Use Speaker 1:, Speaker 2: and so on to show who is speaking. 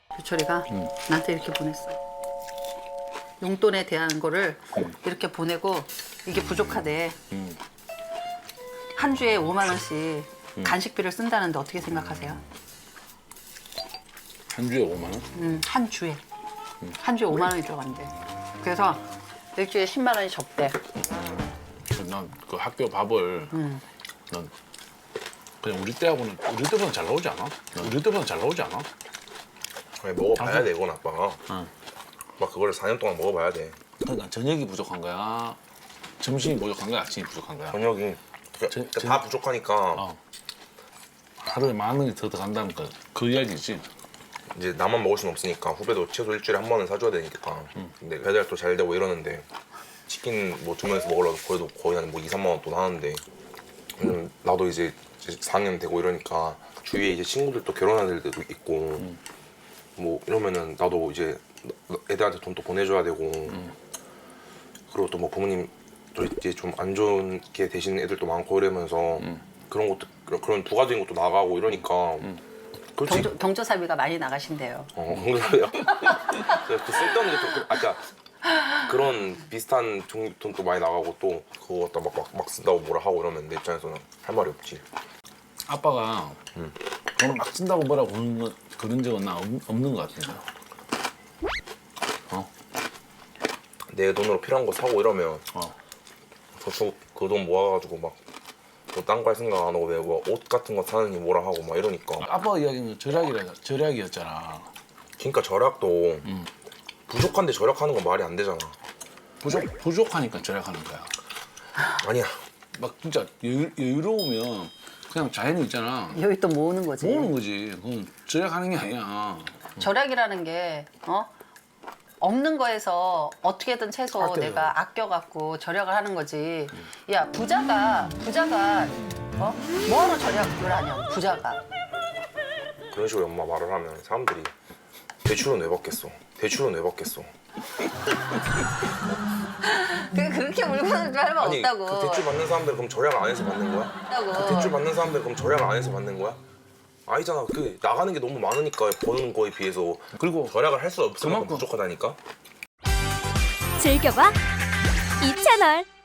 Speaker 1: 유철이가 나한테 이렇게 보냈어. 용돈에 대한 거를 이렇게 보내고 이게 부족하대. 한 주에 5만 원씩 간식비를 쓴다는데 어떻게 생각하세요?
Speaker 2: 한 주에 5만 원?
Speaker 1: 한 주에. 한 주에 5만 원이 들어간대. 그래서 일주일에 10만 원이 적대.
Speaker 2: 난 그 학교 밥을 난 그냥 우리 때보다 잘 나오지 않아? 우리 때보다 잘 나오지 않아?
Speaker 3: 아니, 먹어봐야 돼, 이건 아빠가. 막 그거를 4년 동안 먹어봐야 돼.
Speaker 2: 그러니까 저녁이 부족한 거야? 점심이 부족한 거야? 아침이 부족한 거야?
Speaker 3: 저녁이 그러니까 다 부족하니까
Speaker 2: 어. 하루에 10,000원이 더 들어간다는 그 이야기지.
Speaker 3: 이제 나만 먹을 순 없으니까 후배도 최소 일주일에 한 번은 사줘야 되니까. 근데 배달도 잘 되고 이러는데 치킨 뭐 주문해서 먹으려고 그래도 거의 한 뭐 2, 3만 원 돈 하는데 나도 이제 4학년 되고 이러니까 주위에 이제 친구들도 결혼한 애들도 있고 뭐 이러면은 나도 이제 애들한테 돈도 보내줘야 되고 그리고 또 뭐 부모님 또 이제 좀 안 좋게 되시는 애들도 많고 이러면서 그런 것도 그런 부가적인 것도 나가고 이러니까 그렇지.
Speaker 1: 경조사비가 많이 나가신대요.
Speaker 3: 그래요. 그 쓸데없는 게또 아까 그런 비슷한 돈도 많이 나가고 또 그거 갖다 막 쓴다고 뭐라 하고 이러면 내 입장에서는 할 말이 없지.
Speaker 2: 아빠가 돈을 막 쓴다고 뭐라고 그런 적은 나 없는 것 같은데.
Speaker 3: 내 돈으로 필요한 거 사고 이러면
Speaker 2: 어.
Speaker 3: 저축 그 돈 모아가지고 막 뭐 딴 거 할 생각 안 하고 왜 뭐 옷 같은 거 사느니 뭐라 하고 막 이러니까.
Speaker 2: 아빠가 이야기는 절약이었잖아.
Speaker 3: 그러니까 절약도 부족한데 절약하는 건 말이 안 되잖아.
Speaker 2: 부족하니까 절약하는 거야.
Speaker 3: 아니야.
Speaker 2: 막 진짜 여유로우면 그냥 자연이 있잖아.
Speaker 1: 여기 또 모으는 거지.
Speaker 2: 모으는 거지. 그건 절약하는 게 아니야.
Speaker 1: 절약이라는 게 없는 거에서 어떻게든 최소
Speaker 2: 아껴요.
Speaker 1: 내가 아껴갖고 절약을 하는 거지. 야 부자가 뭐하러 절약을 하냐 부자가.
Speaker 3: 그런 식으로 엄마 말을 하면 사람들이 대출은 왜 받겠어? 대출은 왜 받겠어?
Speaker 1: 그렇게 물건을 할 말
Speaker 3: 아니
Speaker 1: 없다고.
Speaker 3: 그 대출 받는 사람들 그럼 절약을 안 해서 받는 거야?
Speaker 1: 없다고.
Speaker 3: 그 대출 받는 사람들 그럼 절약을 안 해서 받는 거야? 아니잖아. 그 나가는 게 너무 많으니까 버는 거에 비해서
Speaker 2: 그리고
Speaker 3: 절약을 할 수 없을 만큼
Speaker 2: 그만큼
Speaker 3: 부족하다니까.
Speaker 4: 즐겨봐 이 채널.